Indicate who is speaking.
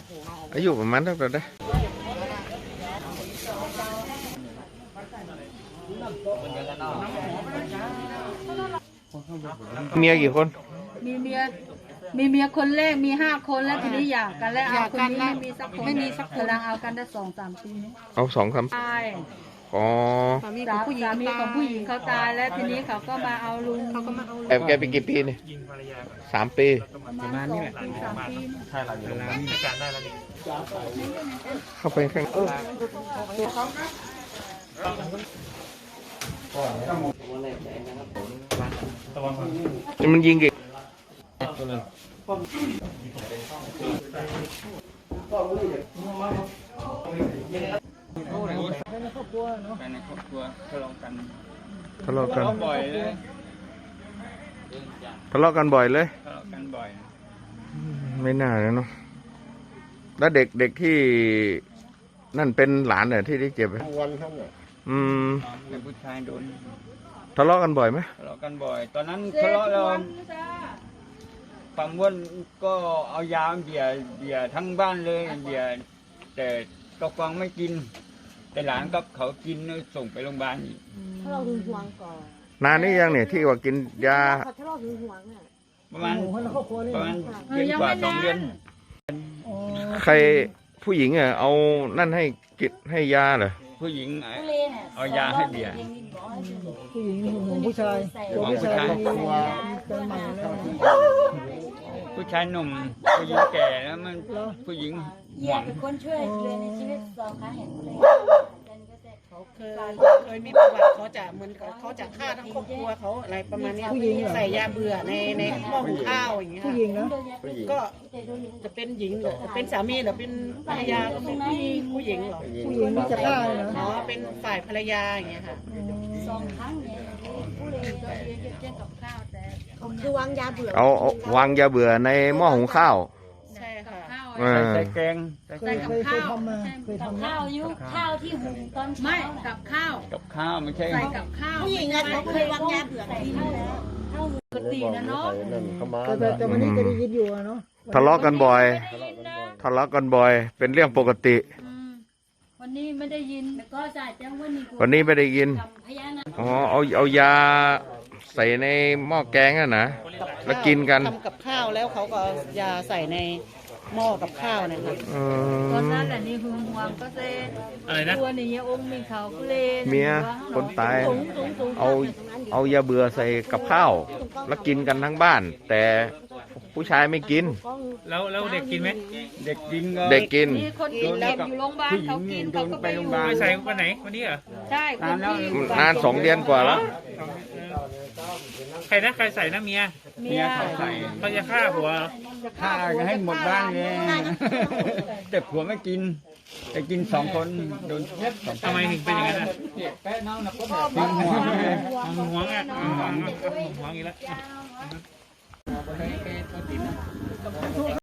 Speaker 1: อายุประมาณเท่าไหร่ได้เมียกี่คน
Speaker 2: มีเมียคนแรกมี5 คนแล้วทีนี้อยากกันแล้วเอาคนนี้ไม่มีสักคนกำลังเอากันได้2-3 ปีนี้
Speaker 1: เอา2-3
Speaker 2: ตาย
Speaker 1: อ๋อ
Speaker 2: สามีของผู้หญิงเขาตายแล้วทีนี้เขาก็มาเอาลุงเขาก็มาเอา
Speaker 1: แอบแกไปกี่ปีเนี่ย3 ปี
Speaker 2: ประมาณ2 ปี 3 ปี
Speaker 3: ใช่หลังอยู่ร้านมีการได้แล้วนี่
Speaker 1: เข้าไปข้างมันยิงกี่
Speaker 3: ในครอบครัวทะเลาะกัน
Speaker 1: บ่อย
Speaker 3: เลย
Speaker 1: ทะเลาะกันบ่อยเลย
Speaker 3: ทะเลาะกันบ่อย
Speaker 1: ไม่น่าเลยเนาะแล้วเด็กที่นั่นเป็นหลานเนี่ยที่ได้เจ็บวันทั้งเนี่ย
Speaker 3: เป็นผู้ชายโดน
Speaker 1: ทะเลาะกันบ่อยไหม
Speaker 3: ทะเลาะกันบ่อยตอนนั้นทะเลาะเราความวนก็เอายาเบียร์ทั้งบ้านเลยเบียร์แต่ก็ฟังไม่กินแต่หลานก็เขากินส่งไปโรงพยาบาลอีก
Speaker 4: ถ้าเราหึงหวงก่อน
Speaker 1: นานนี้ยังเนี่ยที่ว่ากินยา
Speaker 4: ถ้าเราหึงหวงอ่ะ
Speaker 3: ประมาณเดือนกว่า2 เดือน
Speaker 1: ใครผู้หญิงอ่ะเอานั่นให้กินให้ยาเหรอ
Speaker 3: ผู้หญิงเอายาให้เบียร์
Speaker 4: ผู้หญิงหึงผู้ชาย
Speaker 3: ผู้ชายหนุ่มผู้หญิงแก่แล้วมันผู้หญิง
Speaker 5: หวังเป็นคนช่วยเลยในชีวิต2 ครั้งเห็นเลย
Speaker 6: เขาเคยมีประวัติเขาจะเหมือนเขาจะฆ่าทั้งครอบครัวเขาอะไรประมาณนี้ผู้หญิงใส่ยาเบื่อในหม้อหุงข้าวอย่างเงี้ย
Speaker 4: ผู้หญิงนะ
Speaker 6: ก็จะเป็นหญิงหรือเป็นสามีหรือเป็นภรรยาก็เป็นผู้หญิงเหรอ
Speaker 4: ผู้หญิงนี่จะฆ่าเลยนะ
Speaker 6: อ๋อเป็นฝ่ายภรรยาอย่างเงี้ยค่ะ
Speaker 5: 2 ครั้งเนี่ยผู้เลยก็เรียนกับข้าวแต่
Speaker 4: คือวางยาเบื่อ
Speaker 1: เอาวางยาเบื่อในหม้อหุงข้าว
Speaker 6: ใช่ค่ะ
Speaker 3: ใส่แกง
Speaker 4: เคยทำมา
Speaker 5: กับข้าวยุข้าวที่หุงตอน
Speaker 2: ไม่กับข้าว
Speaker 3: ไม่ใช่
Speaker 2: ใส่กับข้าว
Speaker 4: ผู้หญิงอะเขาเคยวางยาเบื่อ
Speaker 2: ปกตินะเนาะ
Speaker 4: แต่วันนี้จะได้ยินอยู่เนาะ
Speaker 1: ทะเลาะกันบ่อยเป็นเรื่องปกติ
Speaker 2: วันนี้ไม่ได้ยิน
Speaker 5: ก็จ่ายแจ้ง
Speaker 1: วันนี้ไม่ได้ยินอ๋อเอายาใส่ในหม้อแกงน่ะนะแล้วกินกัน
Speaker 6: ทำกับข้าวแล้วเขาก็ยาใส่ในหม้อกับข้าวนะคะ
Speaker 2: ตอนนั้นแหละนี่หึงหวงก็เซ่
Speaker 3: อะไรนะ
Speaker 2: ตัวนี้องค์มีเขาเลน
Speaker 1: เมียคนตายเอายาเบื่อใส่กับข้าวแล้วกินกันทั้งบ้านแต่ผู้ชายไม่กิน
Speaker 3: แล้วเด็กกินไหมเด็ก
Speaker 1: กิน
Speaker 2: มีคนกินอยู่โรงพยาบาลเขากินเขาก็ไปโรงพยาบาล
Speaker 3: ใส่วันไหนวันนี้เหรอ
Speaker 2: ใช่
Speaker 1: นาน2 เดือนกว่าแล้ว
Speaker 3: ใครใส่นะเมียเขาใส่เขาจะฆ่าผัวฆ่าให้หมดบ้านเลยแต่ผัวไม่กินแต่กิน2 คนโดนทำไมถึงเป็นอย่างนั้นหวงอ่ะหวงอีกแล้ว